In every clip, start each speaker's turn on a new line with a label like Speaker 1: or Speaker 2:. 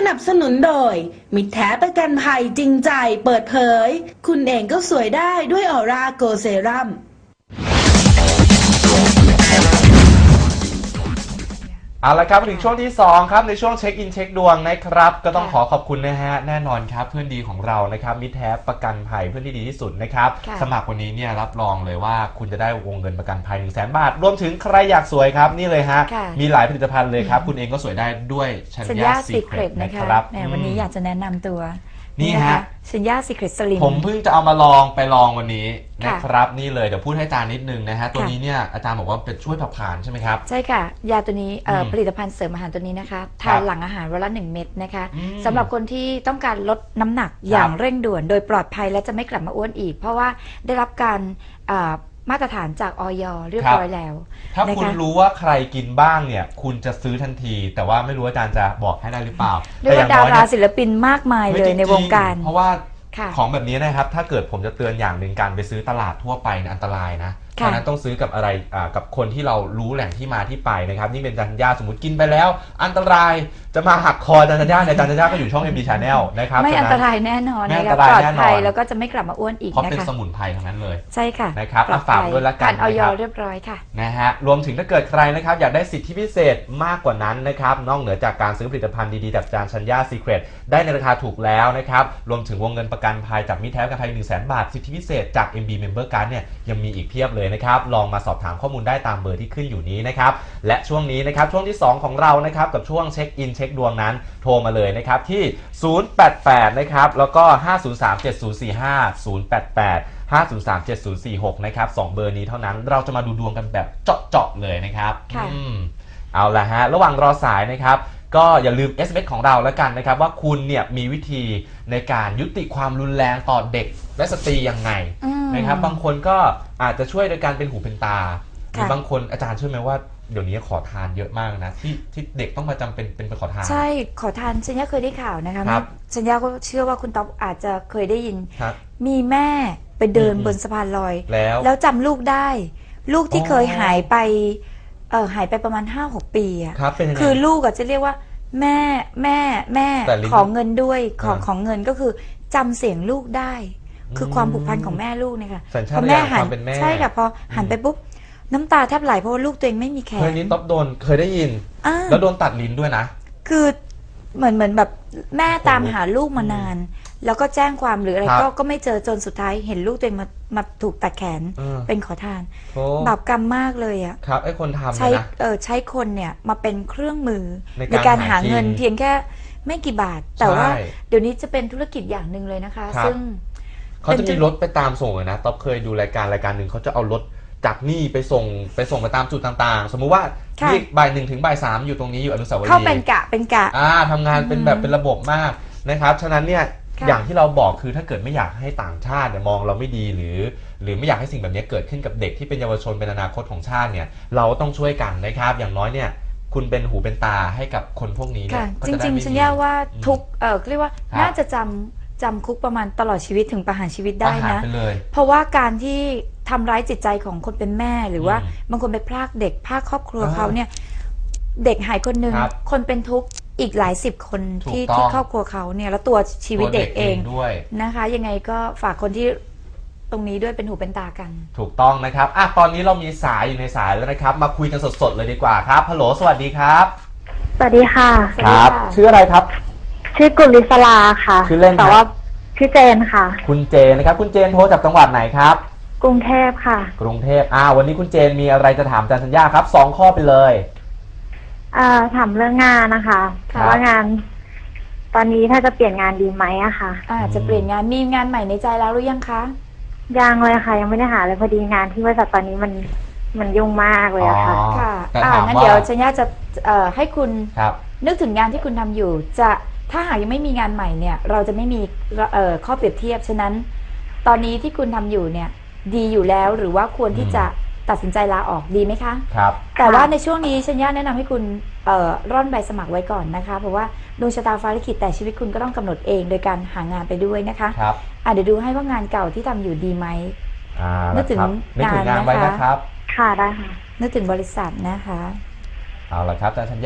Speaker 1: นับสนุนโดยมิตรแท้ประกันภัยจริงใจเปิดเผยคุณเองก็สวยได้ด้วยออร่าโกเซรั่ม
Speaker 2: เอาละครับถึงช่วงที่2ครับในช่วงเช็คอินเช็คดวงนะครับก็ต้องขอบคุณนะฮะแน่นอนครับเพื่อนดีของเรานะครับมิตรแท้ประกันภัยเพื่อนที่ดีที่สุดนะครับสมัครวันนี้เนี่ยรับรองเลยว่าคุณจะได้วงเงินประกันภัย 100,000 บาทรวมถึงใครอยากสวยครับนี่เลยฮะมีหลายผลิตภัณฑ์เลยครับคุณเองก็สวยได้ด้วยชัญญาซีเครตนะครับ
Speaker 3: วันนี้อยากจะแนะนำตัว
Speaker 2: นี่ฮะ
Speaker 3: ชัญญาซีเครตสลิม
Speaker 2: ผมเพิ่งจะเอามาลองวันนี้นะครับนี่เลยเดี๋ยวพูดให้อาจารย์นิดนึงนะฮะตัวนี้เนี่ยอาจารย์บอกว่าเป็นช่วยเผาผลาญใช่ไหมครับ
Speaker 3: ใช่ค่ะยาตัวนี้ผลิตภัณฑ์เสริมอาหารตัวนี้นะคะทานหลังอาหารวันละ1 เม็ดนะคะสำหรับคนที่ต้องการลดน้ำหนักอย่างเร่งด่วนโดยปลอดภัยและจะไม่กลับมาอ้วนอีกเพราะว่าได้รับการมาตรฐานจากอย.เรียบร้อยแล้ว
Speaker 2: ถ้าคุณรู้ว่าใครกินบ้างเนี่ยคุณจะซื้อทันทีแต่ว่าไม่รู้อาจารย์จะบอกให้ได้หรือเปล่า
Speaker 3: เรียกว่าดาราศิลปินมากมายเลยในวงการ
Speaker 2: เพราะว่าของแบบนี้นะครับถ้าเกิดผมจะเตือนอย่างหนึ่งการไปซื้อตลาดทั่วไปอันตรายนะเพราะนั้นต้องซื้อกับอะไรกับคนที่เรารู้แหล่งที่มาที่ไปนะครับนี่เป็นจันยาสมมติกินไปแล้วอันตรายจะมาหักคอจันยาในจันยาก็อยู่ช่อง MD Channel นะครับ
Speaker 3: ไม่อันตรายแน่นอนนะครับปลอดภัยแล้วก็จะไม่กลับมาอ้วนอีกนะคะ
Speaker 2: เพราะเป็นสมุนไพรทั้งนั้นเลย
Speaker 3: ใช่ค่ะ
Speaker 2: นะครับฝากด้วยละกัน
Speaker 3: ผ่านอย.เรียบร้อยค่ะ
Speaker 2: นะฮะรวมถึงถ้าเกิดใครนะครับอยากได้สิทธิพิเศษมากกว่านั้นนะครับนอกเหนือจากการซื้อผลิตภัณฑ์ดีๆจากชัญญาซีเครตได้ในราคาถูกแล้วนะครับรวมถึงวงเงินประกันภัยจากมิตรแท้ประกันภัย 100,000 บาทสิทธิพิเศษจาก MB Member Card เนี่ยยังมีอีกเพียบเลยนะครับลองมาสอบถามข้อมูลได้ตามเบอร์ที่ขึ้นอยู่นี้นะครับและช่วงนี้นะครับช่วงที่2ของเรานะครับกับช่วงเช็คอินเช็คดวงนั้นโทรมาเลยนะครับที่088นะครับแล้วก็5037045 088 5037046นะครับ2เบอร์นี้เท่านั้นเราจะมาดูดวงกันแบบเจาะๆเลยนะครับเอาละฮะระหว่างรอสายนะครับก็อย่าลืม SMS ของเราแล้วกันนะครับว่าคุณเนี่ยมีวิธีในการยุติความรุนแรงต่อเด็กและสตรียังไงนะครับบางคนก็อาจจะช่วยโดยการเป็นหูเป็นตาหรือบางคนอาจารย์เชื่อไหมว่าเดี๋ยวนี้ขอทานเยอะมากนะที่เด็กต้องมาจำเป็นขอทาน
Speaker 3: ใช่ขอทานชัญญาเคยได้ข่าวนะคะชัญญาก็เชื่อว่าคุณต๊อบอาจจะเคยได้ยินมีแม่ไปเดินบนสะพานลอยแล้วจำลูกได้ลูกที่เคยหายไปประมาณ 5-6 ปีอ่ะคือลูกจะเรียกว่าแม่ขอเงินด้วยของเงินก็คือจำเสียงลูกได้คือความผูกพันของแม่ลูกเนี่ยค่ะพอแม่หันใช่ค่ะพอหันไปปุ๊บน้ำตาแทบไหลเพราะว่าลูกตัวเองไม่มีแขน
Speaker 2: เคยนี้ต๊อบโดนเคยได้ยินแล้วโดนตัดลิ้นด้วยนะ
Speaker 3: คือเหมือนแบบแม่ตามหาลูกมานานแล้วก็แจ้งความหรืออะไรก็ไม่เจอจนสุดท้ายเห็นลูกตัวเองมาถูกตัดแขนเป็นขอทานบาปกรรมมากเลยอ่ะ
Speaker 2: ครับไอ้คนทำ
Speaker 3: นะใช้คนเนี่ยมาเป็นเครื่องมือในการหาเงินเพียงแค่ไม่กี่บาทแต่ว่าเดี๋ยวนี้จะเป็นธุรกิจอย่างหนึ่งเลยนะคะซึ่ง
Speaker 2: เขาจะมีรถไปตามส่งเลยนะต๊อบเคยดูรายการหนึ่งเขาจะเอารถจากนี่ไปส่งไปตามจุดต่างๆสมมุติว่าที่บ่าย 1 ถึงบ่าย 3อยู่ตรงนี้อยู่อนุสาวรีย์
Speaker 3: เข้าเป็นกะ
Speaker 2: ทำงานเป็นระบบมากนะครับฉะนั้นเนี่ยอย่างที่เราบอกคือถ้าเกิดไม่อยากให้ต่างชาติมองเราไม่ดีหรือไม่อยากให้สิ่งแบบนี้เกิดขึ้นกับเด็กที่เป็นเยาวชนเป็นอนาคตของชาติเนี่ยเราต้องช่วยกันนะครับอย่างน้อยเนี่ยคุณเป็นหูเป็นตาให้กับคนพวกนี้เนี่ย
Speaker 3: จริงๆฉันว่าทุกเรียกว่าน่าจะจำคุกประมาณตลอดชีวิตถึงประหารชีวิตได้นะเพราะว่าการที่ทำร้ายจิตใจของคนเป็นแม่หรือว่าบางคนไปพรากเด็กพรากครอบครัวเขาเนี่ยเด็กหายคนหนึ่งคนเป็นทุกข์อีกหลาย10 คนที่ครอบครัวเขาเนี่ยแล้วตัวชีวิตเด็กเอง
Speaker 2: ด้วย
Speaker 3: นะคะยังไงก็ฝากคนที่ตรงนี้ด้วยเป็นหูเป็นตากัน
Speaker 2: ถูกต้องนะครับตอนนี้เรามีสายอยู่ในสายแล้วนะครับมาคุยกันสดๆเลยดีกว่าครับฮัลโหลสวัสดีครับ
Speaker 4: สวัสดีค่ะ
Speaker 2: ครับชื่ออะไรครับ
Speaker 4: ชื่อกุลิศลาค่ะ
Speaker 2: ชื่อเล่น
Speaker 4: แต่ว่าชื่อเจนค่ะ
Speaker 2: คุณเจนนะครับคุณเจนโทรจากจังหวัดไหนครับ
Speaker 4: กรุงเทพค่ะ
Speaker 2: กรุงเทพวันนี้คุณเจนมีอะไรจะถามอาจารย์ชัญญาครับ2 ข้อไปเลย
Speaker 4: ถามเรื่องงานนะคะว่างานตอนนี้ถ้าจะเปลี่ยนงานดีไหมอะค่ะ
Speaker 3: จะเปลี่ยนงานมีงานใหม่ในใจแล้วหรือยังคะ
Speaker 4: ยังเลยค่ะยังไม่ได้หาเลยพอดีงานที่บริษัทตอนนี้มันยุ่งมากเลยอะค่ะ
Speaker 3: งั้นเดี๋ยวชัญญาจะให้คุณนึกถึงงานที่คุณทำอยู่จะถ้าหากยังไม่มีงานใหม่เนี่ยเราจะไม่มีข้อเปรียบเทียบฉะนั้นตอนนี้ที่คุณทำอยู่เนี่ยดีอยู่แล้วหรือว่าควรที่จะตัดสินใจลาออกดีไหมคะ
Speaker 2: ครับ
Speaker 3: แต่ว่าในช่วงนี้ชัญญาแนะนำให้คุณร่อนใบสมัครไว้ก่อนนะคะเพราะว่าดวงชะตาฟ้าลิขิตแต่ชีวิตคุณก็ต้องกำหนดเองโดยการหางานไปด้วยนะคะ
Speaker 2: ครับ
Speaker 3: เดี๋ยวดูให้ว่างานเก่าที่ทำอยู่ดีไหมนึกถึงงาน
Speaker 2: นะคะ
Speaker 4: ค่ะได้ค่ะ
Speaker 3: นึกถึงบริษัทนะคะ
Speaker 2: เอาละครับอาจารย์ชัญญา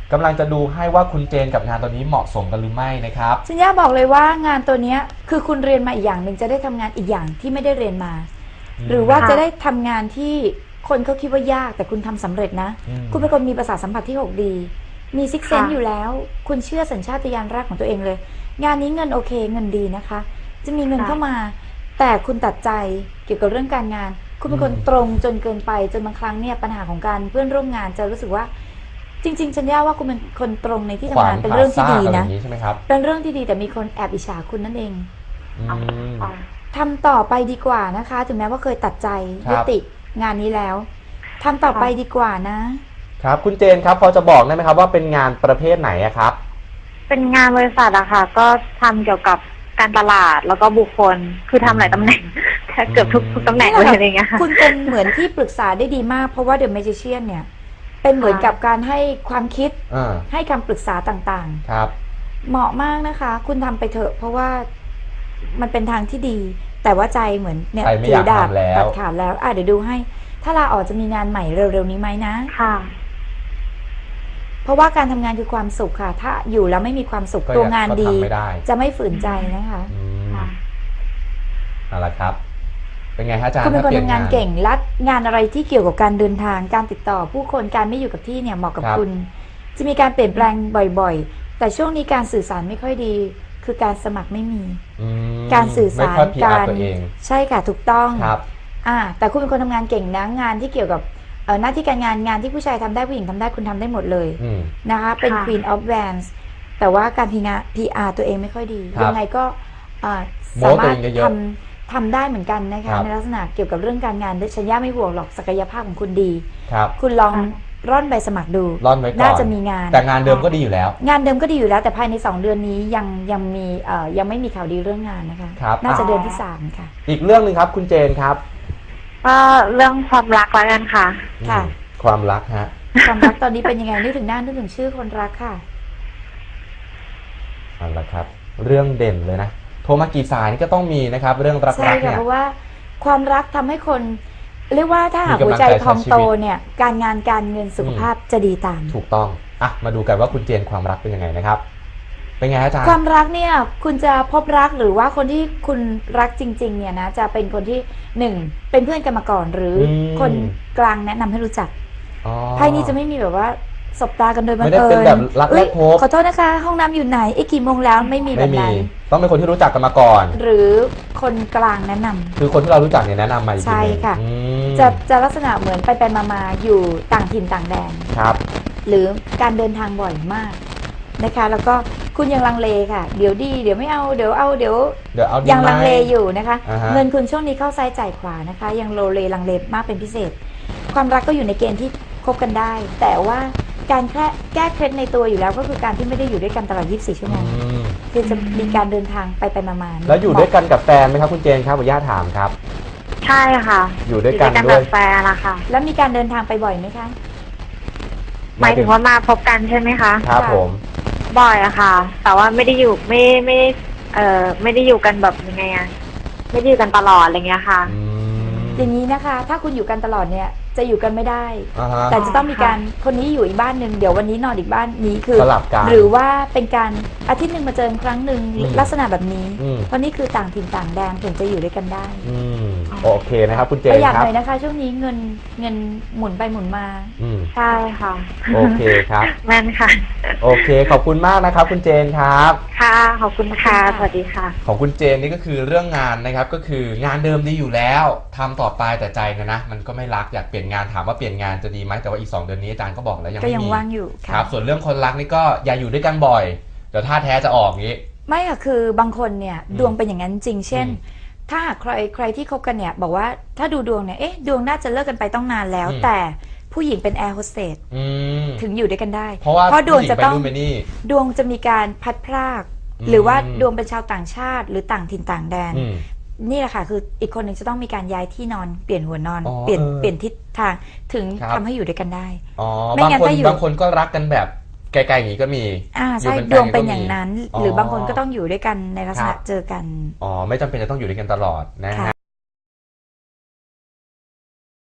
Speaker 2: กำลังจะดูให้ว่าคุณเจนกับงานตัวนี้เหมาะสมกันหรือไม่นะครับ
Speaker 3: สัญญาบอกเลยว่างานตัวนี้คือคุณเรียนมาอีกอย่างหนึ่งจะได้ทำงานอีกอย่างที่ไม่ได้เรียนมา หรือว่าจะได้ทำงานที่คนเขาคิดว่ายากแต่คุณทำสำเร็จนะคุณเป็นคนมีประสาทสัมผัสที่6ดีมีซิกเซนอยู่แล้วคุณเชื่อสัญชาตญาณแรกของตัวเองเลยงานนี้เงินโอเคเงินดีนะคะจะมีเงินเข้ามาแต่คุณตัดใจเกี่ยวกับเรื่องการงานคุณเป็นคนตรงจนเกินไปจนบางครั้งเนี่ยปัญหาของการเพื่อนร่วมงานจะรู้สึกว่าจริงๆฉันว่าคุณเป็นคนตรงในที่ทำงานเป็นเรื่องที่ดีนะเป็นเรื่องที่ดีแต่มีคนแอบอิจฉาคุณนั่นเองทำต่อไปดีกว่านะคะถึงแม้ว่าเคยตัดใจยุติงานนี้แล้วทำต่อไปดีกว่านะครับ
Speaker 2: คุณเจนครับพอจะบอกได้ไหมครับว่าเป็นงานประเภทไหนครับ
Speaker 4: เป็นงานบริษัทอะค่ะก็ทำเกี่ยวกับการตลาดแล้วก็บุคคลคือทำหลายตำแหน่งเกือบทุกตำแหน่งเลยอะไรเงี้ย
Speaker 3: คุณเป็นเหมือนที่ปรึกษาได้ดีมากเพราะว่าเดอะแมจิเชียนเนี่ยเป็นเหมือนกับการให้ความคิดให้คำปรึกษาต่าง
Speaker 2: ๆครับ
Speaker 3: เหมาะมากนะคะคุณทำไปเถอะเพราะว่ามันเป็นทางที่ดีแต่ว่าใจเหมือนเนี่ย
Speaker 2: ถือดาบ
Speaker 3: ตัดขาดแล้วเดี๋ยวดูให้ถ้าลาออกจะมีงานใหม่เร็วๆนี้ไหมนะ
Speaker 4: ค่ะ
Speaker 3: เพราะว่าการทำงานคือความสุขค่ะถ้าอยู่แล้วไม่มีความสุขตัวงานดีจะไม่ฝืนใจนะคะ
Speaker 2: เอาละครับเป็นไงฮะอาจารย์
Speaker 3: คุณเป็นคนทำงานเก่งและงานอะไรที่เกี่ยวกับการเดินทางการติดต่อผู้คนการไม่อยู่กับที่เนี่ยเหมาะกับคุณจะมีการเปลี่ยนแปลงบ่อยๆแต่ช่วงนี้การสื่อสารไม่ค่อยดีคือการสมัครไม่มีการสื่อสารการใช่ค่ะถูกต้องแต่คุณเป็นคนทำงานเก่งนะงานที่เกี่ยวกับหน้าที่การงานที่ผู้ชายทำได้ผู้หญิงทำได้คุณทำได้หมดเลยนะคะเป็น Queen of Wands แต่ว่าการPR ตัวเองไม่ค่อยดียังไงก็สามารถทำได้เหมือนกันนะคะในลักษณะเกี่ยวกับเรื่องการงานฉันย่าไม่ห่วงหรอกศักยภาพของคุณดีคุณลองร่อนใบสมัครดูน่าจะมีงาน
Speaker 2: แต่งานเดิมก็ดีอยู่แล้ว
Speaker 3: งานเดิมก็ดีอยู่แล้วแต่ภายใน2 เดือนนี้ยังไม่มีข่าวดีเรื่องงานนะคะน่าจะเดือนที่3ค่ะ
Speaker 2: อีกเรื่องนึงครับคุณเจนครับ
Speaker 4: เรื่องความรักแล้วกันค่ะ
Speaker 2: ความรักฮะ
Speaker 3: ความรักตอนนี้เป็นยังไงนึกถึงหน้านึกถึงชื่อคนรักค่ะ
Speaker 2: เอาละครับเรื่องเด่นเลยนะโทรมากี่สายนี่ก็ต้องมีนะครับเรื่องรัก
Speaker 3: ใช่ค่ะเพราะว่าความรักทำให้คนเรียกว่าถ้าหากหัวใจพองโตเนี่ยการงานการเงินสุขภาพจะดีตาม
Speaker 2: ถูกต้องมาดูกันว่าคุณเจนความรักเป็นยังไงนะครับเป็นไงอาจารย์
Speaker 3: ความรักเนี่ยคุณจะพบรักหรือว่าคนที่คุณรักจริงๆเนี่ยนะจะเป็นคนที่1เป็นเพื่อนกันมาก่อนหรือคนกลางแนะนำให้รู้จักไพ่นี้จะไม่มีแบบว่าสบตากันโดยบังเอิญ
Speaker 2: ไม่ได้เป็นแบบรักแรกพบ
Speaker 3: ขอโทษนะคะห้องน้ำอยู่ไหนกี่โมงแล้วไม่มีแบบนั้น
Speaker 2: ต้องเป็นคนที่รู้จักกันมาก่อน
Speaker 3: หรือคนกลางแนะนำ
Speaker 2: คือคนที่เรารู้จักเนี่ยแนะนำมา
Speaker 3: ใช่ค่ะจะลักษณะเหมือนไปมาอยู่ต่างถิ่นต่างแดน
Speaker 2: ครับ
Speaker 3: หรือการเดินทางบ่อยมากนะคะแล้วก็คุณยังลังเลค่ะเดี๋ยวดีเดี๋ยวไม่เอาเดี๋ยวยังลังเลอยู่นะคะเงินคุณช่วงนี้เข้าซ้ายจ่ายขวานะคะยังโลเลลังเลมากเป็นพิเศษความรักก็อยู่ในเกณฑ์ที่คบกันได้แต่ว่าการแก้เคล็ดในตัวอยู่แล้วก็คือการที่ไม่ได้อยู่ด้วยกันตลอด24 ชั่วโมงคือจะมีการเดินทางไปมา
Speaker 2: แล้วอยู่ด้วยกันกับแฟนไหมครับคุณเจนครับขออนุญาตถามครับ
Speaker 4: ใช่ค่ะ
Speaker 2: อยู่ด้วยกัน
Speaker 4: ด้วยแฟนนะคะ
Speaker 3: แล้วมีการเดินทางไปบ่อยไหมคะ
Speaker 4: หมายถึงว่ามาพบกันใช่ไหมคะ
Speaker 2: ครับผม
Speaker 4: บ่อยอะค่ะแต่ว่าไม่ได้อยู่ไม่ได้อยู่กันแบบยังไงอะไม่ได้อยู่กันตลอดอะไรเงี้ยค่ะ
Speaker 3: อย่างนี้นะคะถ้าคุณอยู่กันตลอดเนี่ยจะอยู่กันไม่ได้แต่จะต้องมีการคนนี้อยู่อีกบ้านหนึ่งเดี๋ยววันนี้นอนอีกบ้านนี้คือหรือว่าเป็นการอาทิตย์หนึ่งมาเจอครั้งหนึ่งลักษณะแบบนี้เพราะนี่คือต่างถิ่นต่างแดนถึงจะอยู่ด้วยกันได้
Speaker 2: โอเคนะครับคุณเจนครับ
Speaker 3: ประหยัดหน่อยนะคะช่วงนี้เงินหมุนไปหมุนมา
Speaker 4: ใช่ค่ะ
Speaker 2: โอเคครับ
Speaker 4: แม่นค่ะ
Speaker 2: โอเคขอบคุณมากนะครับคุณเจนครับ
Speaker 4: ค่ะขอบคุณค่ะสวัสดีค่ะ
Speaker 2: ของคุณเจนนี่ก็คือเรื่องงานนะครับก็คืองานเดิมดีอยู่แล้วทำต่อไปแต่ใจนะมันก็ไม่รักอยากเปลี่ยนงานถามว่าเปลี่ยนงานจะดีไหมแต่ว่าอีก2 เดือนนี้อาจารย์ก็บอกแล้วยังไม่มี
Speaker 3: ว่างอยู่
Speaker 2: ครับส่วนเรื่องคนรักนี่ก็อย่าอยู่ด้วยกันบ่อยเดี๋ยวท่าแท้จะออกงี้
Speaker 3: ไม่ค่ะคือบางคนเนี่ยดวงเป็นอย่างนั้นจริงเช่นถ้าหากใครที่คบกันเนี่ยบอกว่าถ้าดูดวงเนี่ยดวงน่าจะเลิกกันไปต้องนานแล้วแต่ผู้หญิงเป็นแอร์โฮสเตสถึงอยู่ด้วยกันได้เพราะดวงจะต้องดวงจะมีการพัดพรากหรือว่าดวงเป็นชาวต่างชาติหรือต่างถิ่นต่างแดนนี่แหละค่ะคืออีกคนหนึ่งจะต้องมีการย้ายที่นอนเปลี่ยนหัวนอนเปลี่ยนทิศทางถึงทำให้อยู่ด้วยกันได้
Speaker 2: บางคนก็รักกันแบบไกลๆอย่างนี้ก็มี
Speaker 3: ใช่ดวงเป็นอย่างนั้นหรือบางคนก็ต้องอยู่ด้วยกันในลักษณะเจอกัน
Speaker 2: ไม่จำเป็นจะต้องอยู่ด้วยกันตลอดนะฮะ